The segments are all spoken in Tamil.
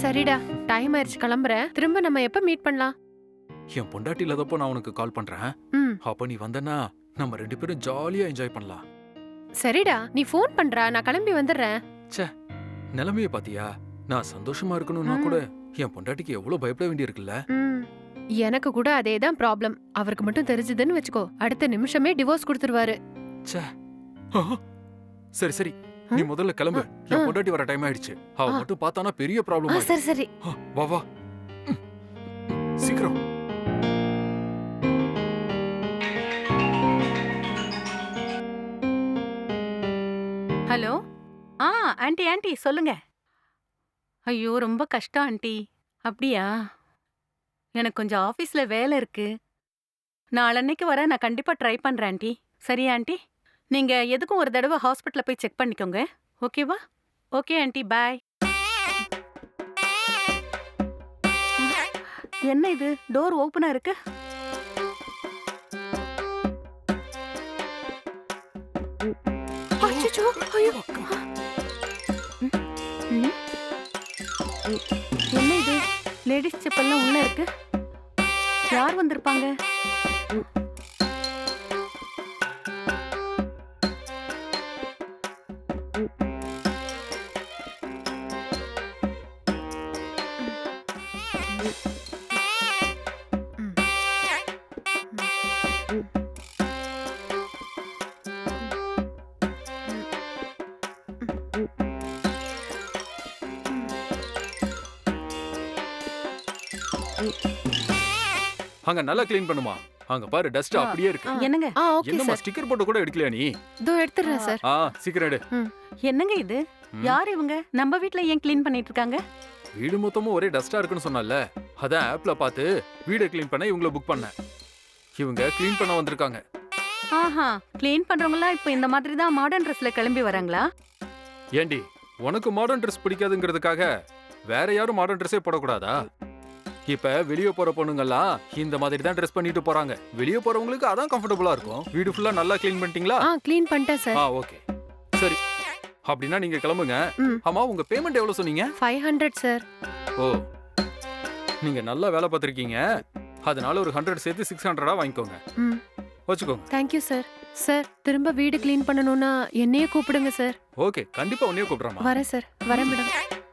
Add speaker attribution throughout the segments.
Speaker 1: சரிடா, டைம் ஆயிருச்சு, கிளம்புறேன். திரும்ப நம்ம எப்ப மீட் பண்ணலாம்?
Speaker 2: என் பொண்டாட்டி இல்லாதப்போ நான் உனக்கு கால் பண்றேன்.
Speaker 1: ம்.
Speaker 2: அப்ப நீ வந்தனா நம்ம 2 பேரும் ஜாலியா என்ஜாய் பண்ணலாம்.
Speaker 1: சரிடா, நீ ஃபோன் பண்றா, நான் கிளம்பி வந்துடுறேன்.
Speaker 2: நிலைமைய பாத்தியா? நான் சந்தோஷமா இருக்கணும்னா
Speaker 1: ம்.
Speaker 2: கூட என் பொண்டாட்டிக்கு எவ்வளவு பயப்பட வேண்டியிருக்குல்ல.
Speaker 1: ம். எனக்கு கூட அதேதான் ப்ராப்ளம். அவருக்கு மட்டும் தெரிஞ்சதுன்னு வச்சுக்கோ, அடுத்த நிமிஷமே டிவோர்ஸ் கொடுத்துருவாரு.
Speaker 2: ஆ, சரி சரி, நீ முதல்ல கிளம்பு.
Speaker 1: ஆ.
Speaker 2: என் பொண்டாட்டி வர டைம் ஆயிடுச்சு. அவ
Speaker 1: ஆ.
Speaker 2: மட்டும் பார்த்தானா பெரிய ப்ராப்ளம் ஆயிடும்.
Speaker 1: சரி சரி.
Speaker 2: வா வா, ம், சீக்கிரம்.
Speaker 3: ஹலோ. ஆண்டி ஆண்டி சொல்லுங்க. ஐயோ ரொம்ப கஷ்டம் ஆண்டி. அப்படியா? எனக்கு கொஞ்சம் ஆஃபீஸ்ல வேலை இருக்கு. நாளன்னைக்கு வர நான் கண்டிப்பா ட்ரை பண்றேன் ஆண்டி. சரியா ஆண்டி? நீங்க எதுக்கும் ஒரு தடவை ஹாஸ்பிட்டல்ல போய் செக் பண்ணிக்கோங்க. ஓகேவா? Okay aunty, bye. என்ன இது டோர் ஓபனா இருக்கு?
Speaker 1: அச்சச்சோ, ஐயோ.
Speaker 3: ம். என்ன இது லேடிஸ் செப்பல்லாம் உள்ள இருக்கு? யார் வந்திருப்பாங்க?
Speaker 1: ம்.
Speaker 2: அங்க நல்லா க்ளீன் பண்ணுமா. அங்க பாரு, டஸ்ட்
Speaker 1: ஆ.
Speaker 2: அப்படியே இருக்கு.
Speaker 3: என்னங்க
Speaker 1: ஓகே
Speaker 2: என்னம்மா
Speaker 1: சார்.
Speaker 2: ஸ்டிக்கர் போட்டு கூட எடுக்கலையா நீ?
Speaker 1: இதோ எடுத்துறேன் சார்.
Speaker 2: சீக்கிரம் எடு.
Speaker 3: என்னங்க இது?
Speaker 2: ம்.
Speaker 3: யார் இவங்க? நம்ம வீட்ல ஏன் க்ளீன் பண்ணிட்டு இருக்காங்க?
Speaker 2: வீடு மொத்தமும் ஒரே டஸ்டா இருக்குன்னு சொன்னல, அதான் ஆப்ல பார்த்து வீட க்ளீன் பண்ண இவங்கள புக் பண்ணேன். இவங்க க்ளீன் பண்ண வந்திருக்காங்க.
Speaker 3: ஆஹா, க்ளீன் பண்றவங்கலாம் இப்போ இந்த மாதிரி தான் மாடர்ன் ட்ரெஸ்ல கிளம்பி வராங்களா?
Speaker 2: ஏண்டி, உனக்கு மாடர்ன் ட்ரெஸ் பிடிக்காதுங்கிறதுக்காக வேற யாரும் மாடர்ன் ட்ரெஸ்ஸே போடக்கூடாதா? இப்ப வெளிய போற பொண்ணுங்கெல்லாம் இந்த மாதிரி தான் ட்ரெஸ் பண்ணிட்டு போறாங்க. வெளிய போறவங்களுக்கு அதான் கம்ஃபர்டபுளா இருக்கும். வீடு ஃபுல்லா நல்லா க்ளீன் பண்ணிட்டீங்களா?
Speaker 1: க்ளீன் பண்ணிட்டேன் சார்.
Speaker 2: ஓகே, சரி. அப்படின்னா நீங்க கிளம்புங்க.
Speaker 1: ம்.
Speaker 2: ஆமா, உங்க பேமெண்ட் எவ்வளவு சொன்னீங்க?
Speaker 1: 500 சார்.
Speaker 2: ஓ, நீங்க நல்லா வேலை பார்த்திருக்கீங்க. அதனால ஒரு 100 சேர்த்து 600 வாங்கிக்கோங்க.
Speaker 1: ம்.
Speaker 2: வச்சுக்கோங்க.
Speaker 1: Thank you sir. சார், திரும்ப வீடு க்ளீன் பண்ணனும்னா என்னையே கூப்பிடுங்க சார்.
Speaker 2: ஓகே, கண்டிப்பா உன்னையே கூப்பிடுறேம்மா.
Speaker 1: வரேன் சார். வரேன் மேடம்.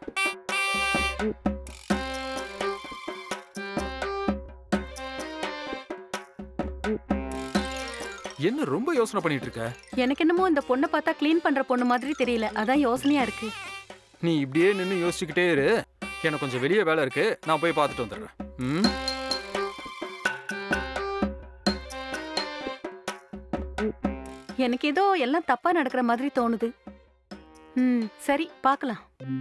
Speaker 2: என்ன ரொம்ப யோசனை பண்ணிட்டு இருக்க?
Speaker 3: எனக்கு என்னமோ இந்த பொண்ணை பார்த்தா க்ளீன் பண்ற பொண்ணு மாதிரி தெரியல. அதான் யோசனையா இருக்கு.
Speaker 2: நீ இப்படியே நின்னு யோசிச்சுக்கிட்டே இரு. எனக்கு கொஞ்சம் வெளியே வேலை இருக்கு. நான் போய் பார்த்துட்டு வந்துடுறேன். ம்.
Speaker 3: எனக்கு ஏதோ எல்லாம் தப்பா நடக்கிற மாதிரி தோணுது. சரி பார்க்கலாம்.